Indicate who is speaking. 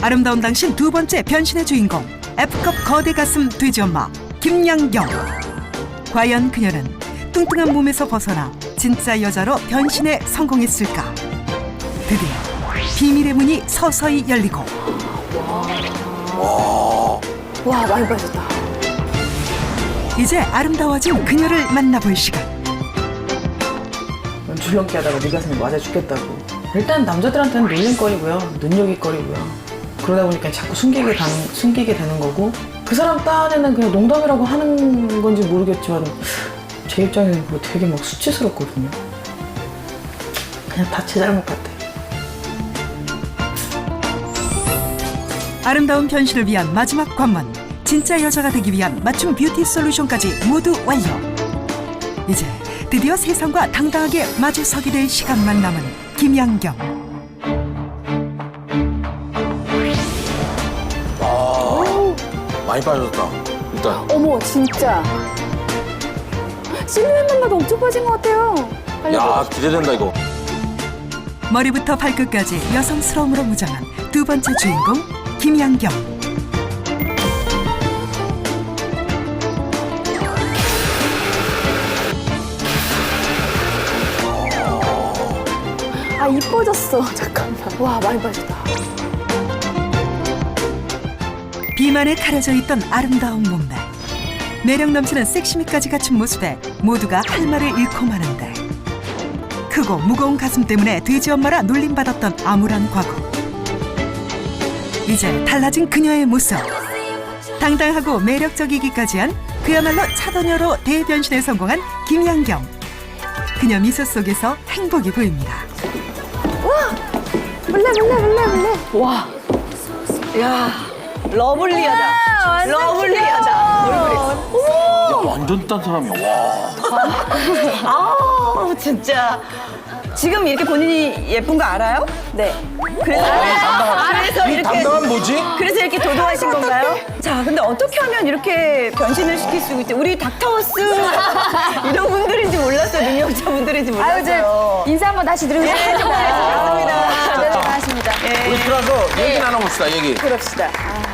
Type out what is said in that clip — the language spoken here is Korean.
Speaker 1: 아름다운 당신 두 번째 변신의 주인공 F급 거대 가슴 돼지 엄마 김양경. 과연 그녀는 뚱뚱한 몸에서 벗어나 진짜 여자로 변신에 성공했을까? 드디어 비밀의 문이 서서히 열리고
Speaker 2: 와, 많이 빠졌다.
Speaker 1: 이제 아름다워진 그녀를 만나볼 시간.
Speaker 3: 줄넘기 하다가 네 가슴에 맞아 죽겠다고. 일단 남자들한테는 놀림거리고요, 눈여깃거리고요. 그러다 보니까 자꾸 숨기게 되는 거고, 그 사람 딴에는 그냥 농담이라고 하는 건지 모르겠지만 제 입장에는 그거 되게 막 수치스럽거든요. 그냥 다 제 잘못 같아.
Speaker 1: 아름다운 변신을 위한 마지막 관문, 진짜 여자가 되기 위한 맞춤 뷰티 솔루션까지 모두 완료. 이제 드디어 세상과 당당하게 마주서게 될 시간만 남은 김양경.
Speaker 4: 많이 빠졌다. 일단
Speaker 2: 어머, 진짜. 실루엣만 봐도 엄청 빠진 것 같아요.
Speaker 4: 야 기대된다 이거.
Speaker 1: 머리부터 발끝까지 여성스러움으로 무장한 두 번째 주인공 김양경.
Speaker 2: 아, 이뻐졌어. 잠깐만. 와, 많이 빠졌다.
Speaker 1: 비만에 가려져 있던 아름다운 몸매, 매력 넘치는 섹시미까지 갖춘 모습에 모두가 할 말을 잃고 마는데, 크고 무거운 가슴 때문에 돼지 엄마라 놀림받았던 암울한 과거. 이제 달라진 그녀의 모습, 당당하고 매력적이기까지 한 그야말로 차도녀로 대변신에 성공한 김양경. 그녀 미소 속에서 행복이 보입니다.
Speaker 2: 몰래.
Speaker 5: 와, 야, 러블리하다. 러블리하다. 얼굴이.
Speaker 4: 야 완전 딴 사람이야. 와.
Speaker 5: 아, 진짜. 지금 이렇게 본인이 예쁜 거 알아요?
Speaker 2: 네.
Speaker 5: 그래서
Speaker 4: 이
Speaker 5: 이렇게.
Speaker 4: 담당한 뭐지?
Speaker 5: 그래서 이렇게 도도하신 건가요? 자, 근데 어떻게 하면 이렇게 변신을 시킬 수 있지? 우리 닥터하우스 이런 분들인지 몰랐어요. 능력자분들인지
Speaker 2: 아유,
Speaker 5: 몰랐어요.
Speaker 2: 인사 한번 다시 드리겠습니다.
Speaker 5: 네, 좀 반갑습니다.
Speaker 2: 네, 반갑습니다.
Speaker 4: 우리 들어가서 얘기 나눠봅시다 얘기.
Speaker 2: 그럽시다. 아,